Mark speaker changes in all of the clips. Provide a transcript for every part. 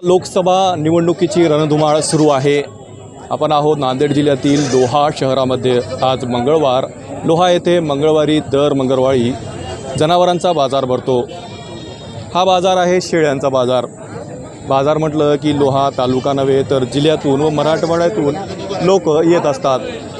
Speaker 1: लोकसभा निवडणुकीची रणधुमाळ सुरू आहे. आपण आहोत नांदेड जिल्ह्यातील लोहा शहरामध्ये. आज मंगळवार. लोहा येथे मंगळवारी दर मंगळवारी जनावरांचा बाजार भरतो. हा बाजार आहे शेळ्यांचा बाजार. बाजार म्हटलं की लोहा तालुका नव्हे तर जिल्ह्यातून व मराठवाड्यातून लोक येत असतात.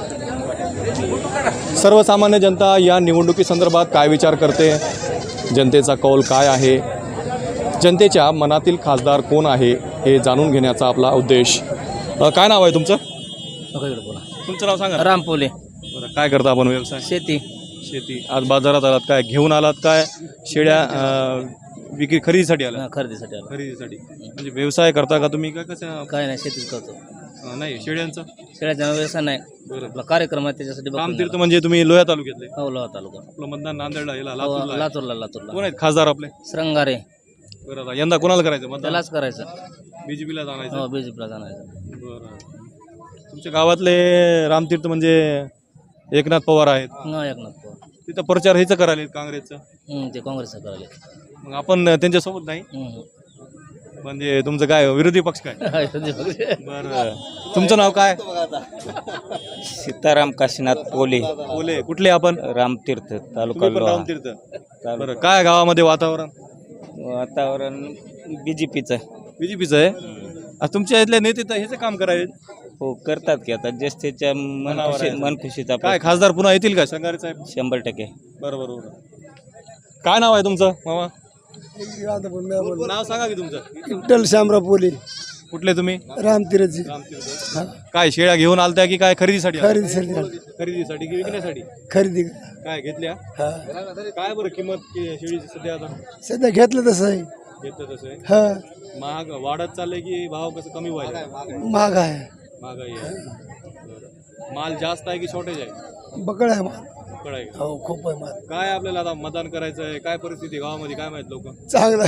Speaker 1: सर्वसामान्य जनता या निवडणुकीसंदर्भात काय विचार करते, जनतेचा कौल काय आहे, जनतेच्या मनातील खासदार कोण आहे हे जाणून घेण्याचा आपला उद्देश. काय नाव आहे तुमचं?
Speaker 2: बोला.
Speaker 1: तुमचं नाव सांगा.
Speaker 2: रामपोले.
Speaker 1: बरं, काय करता आपण व्यवसाय?
Speaker 2: शेती.
Speaker 1: शेती. आज बाजारात आलात, काय घेऊन आलात? काय शेळ्या विक्री खरेदीसाठी आला?
Speaker 2: खरेदीसाठी आलो.
Speaker 1: खरेदीसाठी. म्हणजे व्यवसाय करता का तुम्ही? काय कसं?
Speaker 2: काय नाही, शेतीच करतो.
Speaker 1: नाही, शेळ्यांचा
Speaker 2: शेळ्याचा व्यवसाय नाही.
Speaker 1: बरं.
Speaker 2: आपला कार्यक्रम आहे त्याच्यासाठी बघून
Speaker 1: रामतीर्थ
Speaker 2: गेलो.
Speaker 1: म्हणजे तुम्ही लोह्या तालुक्यातले?
Speaker 2: हो, लोहा तालुका.
Speaker 1: आपलं मतदान नांदेडला याला
Speaker 2: हो,
Speaker 1: लातूरला आहे.
Speaker 2: लातूरला.
Speaker 1: कोण आहेत खासदार आपले?
Speaker 2: श्रंगारे.
Speaker 1: बरं, आता यंदा कोणाला करायचं मतदान?
Speaker 2: त्यालाच करायचं.
Speaker 1: बीजेपीला जाणायचं?
Speaker 2: हो, बीजेपीला जाणायचं.
Speaker 1: बरं. तुमच्या गावातले रामतीर्थ म्हणजे एकनाथ पवार आहेत.
Speaker 2: न एकनाथ पवार.
Speaker 1: तिथं प्रचार ह्याचं करायला काँग्रेसचं.
Speaker 2: ते काँग्रेसचं करायला.
Speaker 1: मग आपण त्यांच्यासोबत नाही म्हणजे तुमचं काय विरोधी पक्ष काय? बरं. तुमचं नाव काय?
Speaker 3: सीताराम काशीनाथ पोले.
Speaker 1: बोले. कुठले आपण?
Speaker 3: रामतीर्थ तालुका
Speaker 1: तुम्ही पण
Speaker 3: लोहा.
Speaker 1: रामतीर्थ. बरं, काय गावामध्ये वातावरण?
Speaker 3: वातावरण बीजेपीचं.
Speaker 1: बीजेपीचं आहे. आज तुमच्या इथले नेते तर ह्याचं काम करायचे.
Speaker 3: हो, करतात की आता जस्ट त्याच्या मनखुशीचा
Speaker 1: काय खासदार पुन्हा येतील का शंगारे साहेब?
Speaker 3: 100%.
Speaker 1: बरोबर. काय नाव आहे तुमचं मामा? नाव सांगा की तुमचं.
Speaker 4: विठ्ठल शामराव पोले.
Speaker 1: कुठले तुम्ही?
Speaker 4: रामतीर्थची.
Speaker 1: काय शेळ्या घेऊन आलत्या की काय खरेदीसाठी?
Speaker 4: खरेदीसाठी.
Speaker 1: खरेदीसाठी की विकण्यासाठी?
Speaker 4: खरेदी.
Speaker 1: काय घेतल्या?
Speaker 4: हा.
Speaker 1: काय बरं किंमत शेळीची सध्या आता?
Speaker 4: सध्या घेतलं तसं आहे.
Speaker 1: घेतलं तसं आहे.
Speaker 4: हा.
Speaker 1: महाग वाढत चाललंय की भाव कसं कमी व्हायला?
Speaker 4: महाग आहे.
Speaker 1: महागाई आहे. बरं. माल जास्त आहे की शॉर्टेज आहे?
Speaker 4: बकळ आहे माल.
Speaker 1: बकळ आहे का?
Speaker 4: हो, खूप आहे माल.
Speaker 1: काय आपल्याला आता मतदान करायचं आहे? काय परिस्थिती गावामध्ये काय माहित लोक?
Speaker 4: चांगला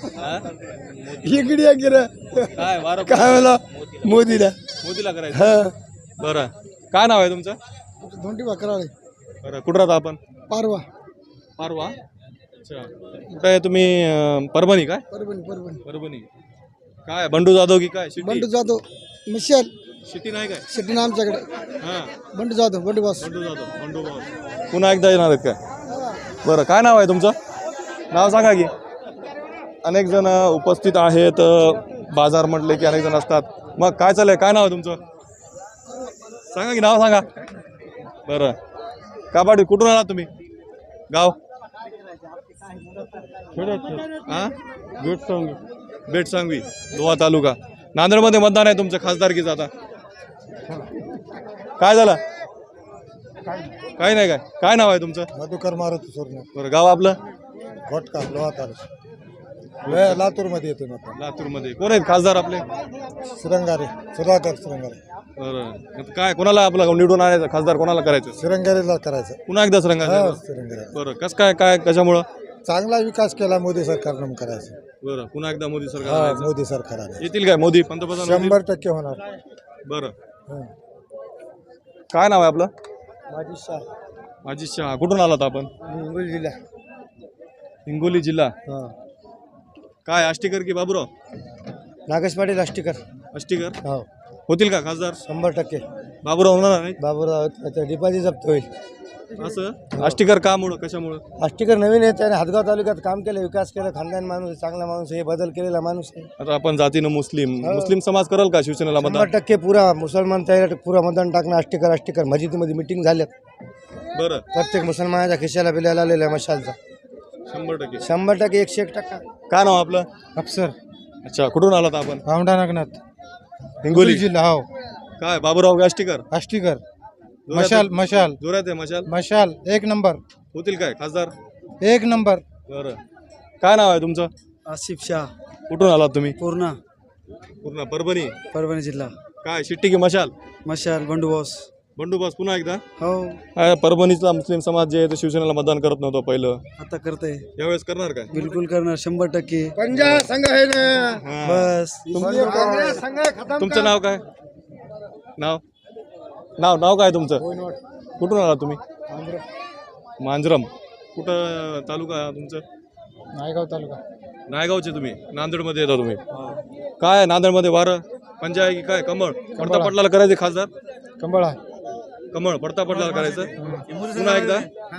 Speaker 4: इकडे गिरा
Speaker 1: काय वारं
Speaker 4: काय मला मोदीला.
Speaker 1: मोदीला करायचं?
Speaker 4: हा.
Speaker 1: बरं. काय नाव आहे तुमचं?
Speaker 4: धोंडी भाकराळे.
Speaker 1: बरं. कुठं राहता आपण?
Speaker 4: पारवा.
Speaker 1: पारवा. अच्छा. कुठं आहे तुम्ही? परभणी. काय
Speaker 4: परभणी.
Speaker 1: परभणी. काय बंडू जाधव की काय?
Speaker 4: बंडू जाधव. मिशेल
Speaker 1: शेती नाही काय?
Speaker 4: शेट्टी ना आमच्याकडे.
Speaker 1: हां.
Speaker 4: बंडू जाधव. बंडू बॉस.
Speaker 1: बंडू जाधव. बंडू भाऊ. पुन्हा एकदा येणार आहेत काय? बरं. काय नाव आहे तुमचं? नाव सांगा की. अनेक जण उपस्थित आहेत. बाजार म्हटले की अनेक जण असतात. मग काय चाललंय? काय नाव आहे तुमचं? सांगा की, नाव सांगा. बरं. काबाडी. कुठून आला तुम्ही? गाव? हां. बेटसांगवी. लोहा तालुका. नांदेडमध्ये मतदान आहे तुमचं खासदारकीचं आता. काय झालं? काही नाही. काय नाव आहे तुमचं?
Speaker 4: मधुकर मारुती सोरणे.
Speaker 1: बरं. गाव आपलं?
Speaker 4: घोटका. लोहा तालुका. लातूरमध्ये येते मग.
Speaker 1: लातूरमध्ये. कोण आहेत खासदार आपले?
Speaker 4: श्रंगारे. सुधाकर श्रंगारे.
Speaker 1: बरं. आता काय कोणाला आपलं निवडून आणायचं? खासदार कोणाला करायचं?
Speaker 4: श्रंगारेला करायचं.
Speaker 1: पुन्हा एकदा रंगाचं.
Speaker 4: श्रंगारे.
Speaker 1: बरं. कसं काय कशामुळं?
Speaker 4: चांगला विकास केला मोदी सरकारनं करायचं.
Speaker 1: बरं. पुन्हा एकदा मोदी
Speaker 4: हा,
Speaker 1: सरकार
Speaker 4: मोदी सरकारने
Speaker 1: येतील काय? मोदी पंतप्रधान होतील?
Speaker 4: 100% होणार.
Speaker 1: बरं. काय नाव आहे आपलं?
Speaker 4: माझी शाह.
Speaker 1: माझी शाह. कुठून आलात आपण?
Speaker 4: हिंगोली जिल्हा.
Speaker 1: हिंगोली जिल्हा.
Speaker 4: हा.
Speaker 1: काय आष्टीकर की बाबूराव?
Speaker 4: नागेश पाटील आष्टीकर.
Speaker 1: आष्टीकर
Speaker 4: हो,
Speaker 1: होतील का खासदार?
Speaker 4: 100%.
Speaker 1: बाबूराव होणार नाही
Speaker 4: बाबूराव डिपॉझिट जप्त होईल.
Speaker 1: असं? आष्टीकर का मुळे? कशामुळं?
Speaker 4: आष्टीकर नवीन आहे, त्याने हातगाव तालुक्यात काम केलं, विकास केला, खानदान माणूस, चांगला माणूस आहे, बदल केलेला माणूस आहे.
Speaker 1: आता आपण जातीनं मुस्लिम समाज कराल का शिवसेनेला मतदान?
Speaker 4: 100% पुरा मुसलमान तयार, पुरा मतदान टाकणं. आष्टीकर मस्जिदीमध्ये मिटिंग झाल्यात.
Speaker 1: बरं.
Speaker 4: प्रत्येक मुसलमानाच्या खिशाला बिलाला आलेला आहे मशालचा.
Speaker 1: 100%.
Speaker 4: 100%. 101%.
Speaker 1: काय नाव आपलं?
Speaker 4: अफसर.
Speaker 1: अच्छा. कुठून आलात आपण?
Speaker 4: औंढा नागनाथ.
Speaker 1: हिंगोली
Speaker 4: जिल्हा. हो.
Speaker 1: काय बाबूराव का आष्टीकर?
Speaker 4: आष्टीकर.
Speaker 1: मशाल.
Speaker 4: मशाल.
Speaker 1: जोरात आहे मशाल.
Speaker 4: मशाल 1 नंबर.
Speaker 1: होतील काय खासदार?
Speaker 4: 1 नंबर.
Speaker 1: बरं. काय नाव आहे तुमचं?
Speaker 4: आसिफ शाह.
Speaker 1: कुठून आलात तुम्ही?
Speaker 4: पूर्णा.
Speaker 1: पूर्ण परभणी.
Speaker 4: परभणी जिल्हा.
Speaker 1: काय शिट्टी की मशाल?
Speaker 4: मशाल. बंडू बॉस.
Speaker 1: बंडू बॉस. पुन्हा एकदा?
Speaker 4: हो.
Speaker 1: परभणीतला मुस्लिम समाज जे आहे ते शिवसेनेला मतदान करत नव्हतं पहिलं,
Speaker 4: आता करते.
Speaker 1: यावेळेस करणार काय?
Speaker 4: बिलकुल करणार. 100%. पंजाब संघ आहे ना. बस.
Speaker 1: तुमचं नाव काय? नाव काय तुमचं? कुठून आला तुम्ही? मांजरम. कुठं तालुका तुमचं?
Speaker 4: नायगाव तालुका.
Speaker 1: नायगावचे तुम्ही नांदेडमध्ये येता तुम्ही काय नांदेडमध्ये वारं पंजा आहे की काय कमळ पडता पडला करायचे खासदार
Speaker 4: कंबळा
Speaker 1: कमळ पडता पडला करायचं पुन्हा एकदा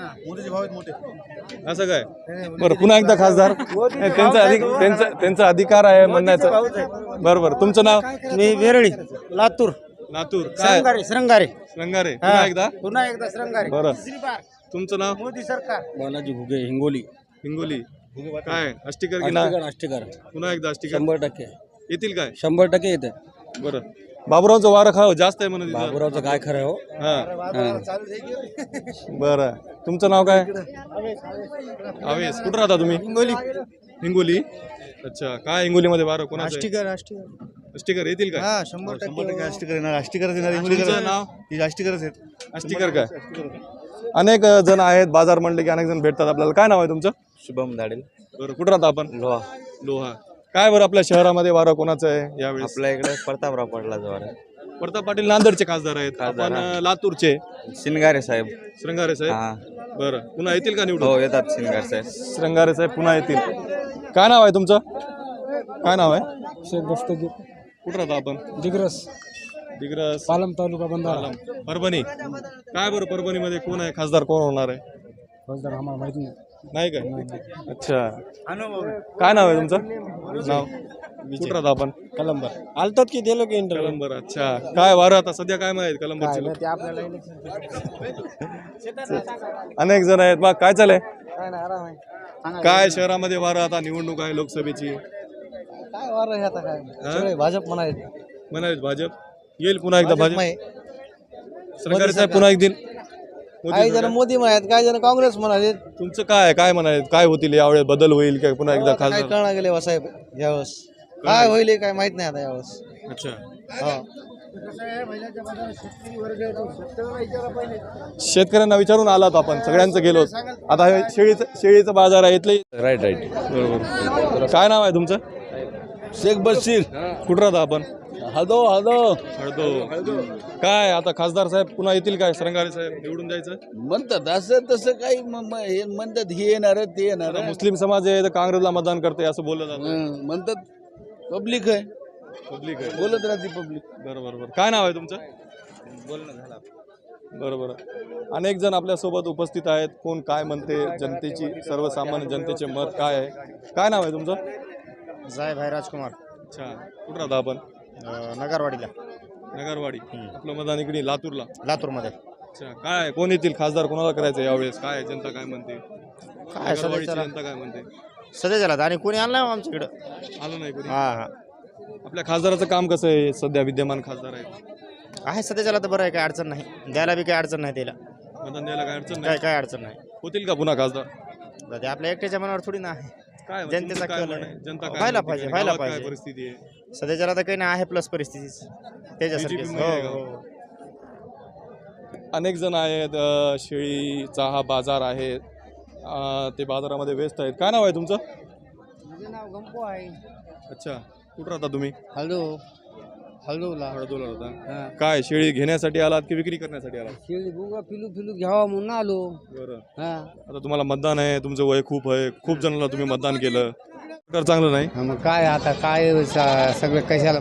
Speaker 1: असं काय बरं पुन्हा एकदा खासदार त्यांचा अधिकार आहे म्हणण्याचं बरोबर तुमचं नाव
Speaker 4: मी वेरळी लातूर
Speaker 1: लातूर काय
Speaker 4: श्रंगारे
Speaker 1: रंगारे पुन्हा एकदा
Speaker 4: श्रंगारे
Speaker 1: बरं तुमचं नाव
Speaker 4: मोदी सरकार
Speaker 3: बालाजी घुगे हिंगोली
Speaker 1: हिंगोली काय अष्टीकर की ना
Speaker 3: अष्टीकर
Speaker 1: पुन्हा एकदा अष्टीकर
Speaker 3: 100%
Speaker 1: येतील काय
Speaker 3: 100% येते
Speaker 1: बरं बाबुरावचं वारं खाव जास्त आहे म्हणून तिथं.
Speaker 3: बाबुरावचं काय खरं आहे हो
Speaker 1: हा बरं तुमचं नाव काय आवेश कुठं राहता तुम्ही
Speaker 4: हिंगोली
Speaker 1: हिंगोली अच्छा काय हिंगोलीमध्ये वारं कोणाचं आहे?
Speaker 4: अष्टीकर
Speaker 1: अष्टीकर येतील काय
Speaker 4: हा 100%
Speaker 5: अष्टीकर येणार अष्टीकरच येणार
Speaker 1: तुमचं नाव
Speaker 5: ही अष्टीकरच आहेत
Speaker 1: अष्टीकर काय अनेक जण आहेत बाजार म्हणले की अनेक जण भेटतात आपल्याला काय नाव आहे तुमचं
Speaker 3: शुभम धाडेल
Speaker 1: बरं कुठं राहता आपण
Speaker 3: लोहा
Speaker 1: लोहा काय बरं आपल्या शहरामध्ये वारं कोणाचं आहे यावेळेस
Speaker 3: आपल्या इकडे प्रतापराव पडला जवळ
Speaker 1: प्रताप पाटील नांदेडचे खासदार आहेत आपण लातूरचे
Speaker 3: शिनगारे साहेब
Speaker 1: श्रंगारे साहेब
Speaker 3: हा
Speaker 1: बरं पुन्हा येतील का
Speaker 3: हो
Speaker 1: निवडून
Speaker 3: येतात शिनगारे साहेब
Speaker 1: श्रंगारे साहेब पुन्हा येतील काय नाव आहे तुमचं काय नाव आहे
Speaker 4: शेख दस्तगीर
Speaker 1: कुठं राहता आपण
Speaker 4: दिग्रस
Speaker 1: दिग्रस
Speaker 4: पालम तालुका बंधारा
Speaker 1: पालम, परभणी काय बरं परभणीमध्ये कोण आहे खासदार कोण होणार आहे
Speaker 4: खासदार आम्हाला माहिती नाही
Speaker 1: नाही काय अच्छा काय नाव आहे तुमचं नाव कुठं राहता आपण
Speaker 4: कलंबर आलतात की दिलो की इंटरव्ह्यू
Speaker 1: कलंबर अच्छा काय वारं आता सध्या काय माहित कलंबरचे लोक
Speaker 4: ते आपल्याला
Speaker 1: अनेक जण आहेत बा काय चालय
Speaker 4: काय नाही आराम आहे
Speaker 1: काय शहरामध्ये वारं आता निवडणूक आहे लोकसभेची
Speaker 4: काय वार आहे आता काय सगळे भाजप म्हणाले
Speaker 1: म्हणाले भाजप येईल पुन्हा एकदा भाजप सरकारी साहेब पुन्हा एकदा मोदी
Speaker 4: काही जण
Speaker 1: सरकार.
Speaker 4: मोदी म्हणाले काय जण काँग्रेस म्हणाले
Speaker 1: तुमचं काय काय म्हणाले काय होतील यावेळेस बदल होईल काय पुन्हा एकदा
Speaker 4: काय
Speaker 1: खासदार
Speaker 4: कळणार गेले साहेब यावेळेस काय होईल हे काय माहित नाही आता यावेळेस
Speaker 1: अच्छा
Speaker 4: हा
Speaker 1: शेतकऱ्यांना विचारून आलात आपण सगळ्यांचं गेलो आता हे शेळीचं बाजार आहे इथले
Speaker 3: राईट राईट
Speaker 1: बरोबर काय नाव आहे तुमचं
Speaker 3: शेख बशीर
Speaker 1: कुठं राहता आपण
Speaker 3: हदो हदो
Speaker 1: हळदो काय आता खासदार साहेब पुन्हा येतील काय श्रंगारे साहेब निवडून जायचं
Speaker 3: म्हणतात असं तसं काही हे म्हणतात हे येणार ते येणार
Speaker 1: आता मुस्लिम समाज आहे तर काँग्रेसला मतदान करते असं बोललं जातं
Speaker 3: म्हणतात पब्लिक आहे
Speaker 1: पब्लिक आहे
Speaker 3: बोलत राहते पब्लिक
Speaker 1: बरोबर बरोबर काय नाव आहे तुमचं बोलणं झालं बरोबर अनेक जण आपल्या सोबत उपस्थित आहेत कोण काय म्हणते जनतेची सर्वसामान्य जनतेचे मत काय आहे काय नाव आहे तुमचं
Speaker 4: साहेब भाई राजकुमार
Speaker 1: अच्छा कुठं राहता आपण
Speaker 4: नगरवाडीला
Speaker 1: नगरवाडी आपलं मतदान इकडे लातूरला
Speaker 4: लातूरमध्ये
Speaker 1: अच्छा काय कोण येतील खासदार कोणाला करायचं यावेळेस काय जनता काय म्हणते
Speaker 4: काय
Speaker 1: नगरवाडीची जनता काय म्हणते
Speaker 4: सध्याच्याला आणि कोणी आणलं आमच्याकडं
Speaker 1: आलं नाही कोणी
Speaker 4: हा हा
Speaker 1: आपल्या खासदाराचं काम कसं आहे सध्या विद्यमान खासदार आहेत
Speaker 4: आहे सध्याच्याला तर बरं आहे काय अडचण नाही द्यायला बी काय अडचण नाही त्याला
Speaker 1: मतदान द्यायला काय अडचण
Speaker 4: काय
Speaker 1: नाही
Speaker 4: काय अडचण नाही
Speaker 1: होतील का पुन्हा खासदार
Speaker 4: तर ते आपल्या एकट्याच्या मनावर थोडी ना आहे
Speaker 1: काय
Speaker 4: जनतेचा
Speaker 1: तुमचं काय
Speaker 4: कल आहे.
Speaker 1: म्हणणं आहे? जनता काय
Speaker 4: व्हायला
Speaker 1: म्हणते?
Speaker 4: पाहिजे,
Speaker 1: काय
Speaker 4: व्हायला
Speaker 1: गावात काय
Speaker 4: पाहिजे.
Speaker 1: परिस्थिती आहे
Speaker 4: सध्याच्याला तर काही नाही आहे प्लस परिस्थिती त्याच्यासारखी
Speaker 1: BJP मध्ये आहे का? अनेक जण आहेत शेळीचा हा बाजार आहे ते बाजारामध्ये व्यस्त आहेत काय नाव आहे तुमचं
Speaker 4: नाव गंपो आहे
Speaker 1: अच्छा कुठं राहता तुम्ही
Speaker 4: हॅलो हळदूला
Speaker 1: हळदोला राहता काय शेळी घेण्यासाठी आलात की विक्री करण्यासाठी आलात
Speaker 4: शेळी बुगा पिलू पिलू घ्यावा म्हणून आलो
Speaker 1: बरं
Speaker 4: हा
Speaker 1: आता तुम्हाला मतदान आहे तुमचं वय खूप आहे खूप जणांना तुम्ही मतदान केलं तर चांगलं नाही
Speaker 4: मग काय आता काय सगळं कशाला